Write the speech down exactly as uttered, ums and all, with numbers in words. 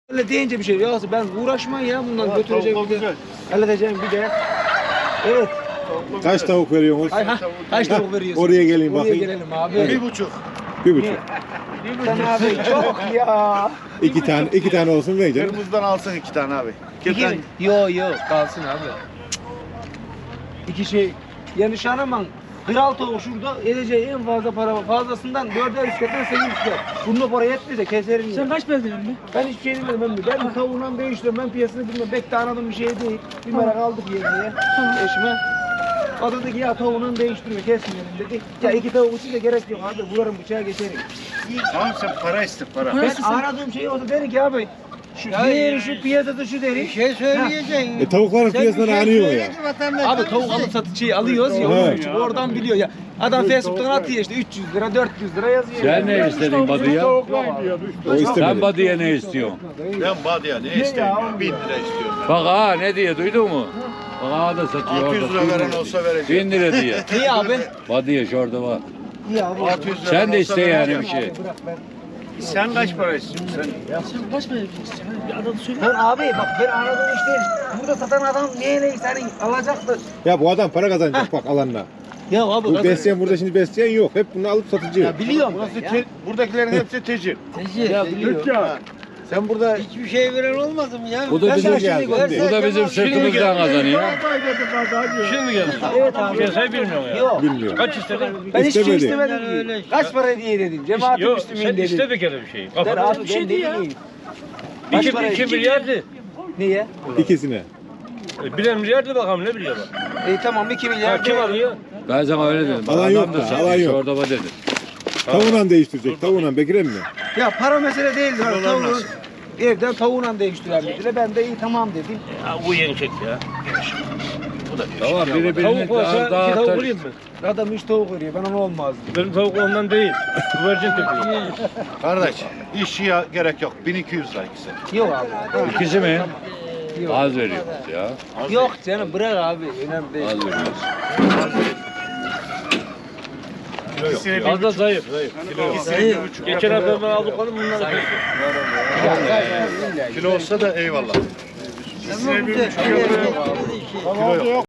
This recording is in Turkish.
Öyle deyince bir şey ya ben uğraşmam ya bundan götüreceğim bir de. Halledeceğim bir de. Evet. Kaç tavuk veriyorsunuz? Ay, ha, kaç tavuk veriyorsun? Oraya geleyim Oraya bakayım. gelelim abi. Bir buçuk. Bir buçuk. Sen abi çok ya. İki tane, iki tane olsun ne canım? Kırmızıdan alsın iki tane abi. İki İki, tane. yo yo kalsın abi. İki şey. Yani Şanaman kral tavuk şurada edeceği en fazla para var. Fazlasından dörder üstten sekiz üstten. Bunun para yetmez de keserim ya. Sen kaç verdin mi? Ben hiçbir şey bilmiyorum ben. Ben tavuğundan değiştiriyorum. Ben piyasasını bilmiyorum. Pek de anladığım bir şey değil. Bir merak aldık yerine. Eşime. O dedi ki ya tavuğundan değiştiriyor kesmeyelim dedi. Ya iki tavuk için de gerek yok abi. Vurarım bıçağa geçerim. Tamam sen para iste para. Ben aradığım şey olsa derim ki abi. Şu diğeri şu piyasada şu deri. Bir şey söyleyeceksin. E, tavukların piyasasını anıyor ya. Abi tavuk alıp satıcıyı alıyoruz ya. Ha. Onun için oradan biliyor ya. Adam Facebook'tan atıyor işte üç yüz lira dört yüz lira yazıyor. Sen ne istedin Badı'ya? O Sen istemedi. Badı'ya ne istiyorsun? Ben Badı'ya ne isteyeyim? Bin lira istiyorum ben. Bak ha ne diye duydun mu? Bak ha da satıyor altı yüz orada. lira veren olsa vereceğim. Bin lira diye. Niye abi? Badı'ya şurada var. Niye abi? altı yüz lira Sen de olsa iste yani vereceğim. bir şey. Bırak ben. Sen kaç para istiyorsun sen? Sen kaç verdin? Bir adını söyle. Ben abi bak ben anladığım işte burada satan adam neyle hani alacaktır. Ya bu adam para kazanacak bak alanla. Ya abi Bu besleyen burada şimdi besleyen yok. Hep bunu alıp satıcı. ya biliyorum Burası ben ya. te- buradakilerin hepsi tecir. Ya biliyorum. Sen burada Hiçbir şey veren olmadı mı ya? Bu da Ben bizim, sana şimdi geldim. göstereyim. bu da bizim sırtımızdan kazanıyor. Şimdi mi geldin? Evet abi. Piyasayı bilmiyorum ya. Yok. Bilmiyorum. Kaç istedin? Ben hiçbir şey İstemedi. istemedim Yani öyle ki. işte. Kaç para diye dedim. Cemaat-i Yok Müslümin sen dedim. iste bir kere bir şey. Ben Kafada abi bir şey ben değil ne ya. diyeyim? Kaç iki, para? iki milyardı. Niye? İkisine. E, Bilen milyardı bakalım ne biliyor bak. E tamam iki milyar. Ha, kim alıyor? Ben sana öyle dedim. Alan Adam yok da da, satıyor, alan yok. Şurada var dedi. Tavuğunla değiştirecek. Tavuğunla Bekir'e mi? Ya para mesele değildir. Dolar Tavuğun nasıl? evden tavuğunla değiştiren dediler. Ben de iyi tamam dedim. Ya bu yeni çek ya. Tamam biri birini Tavuk daha olsa iki daha tavuk atar. vurayım mı? Adam hiç tavuk veriyor. Ben onu olmaz dedim. Benim tavuk ondan değil. Güvercin tepkiyor. kardeş işçiye gerek yok. bin iki yüz lira ikisi. Yok abi. İkisi mi? Yok. Az veriyoruz ya. Yok canım bırak abi. Önemli değil. Az veriyoruz. İkisini Az da zayıf. Zayıf. Zayıf. Geçen hafta ben aldıklarım bunları Ya, zaten illa ki. Kilo olsa da eyvallah. Ama bu da Kilo yok.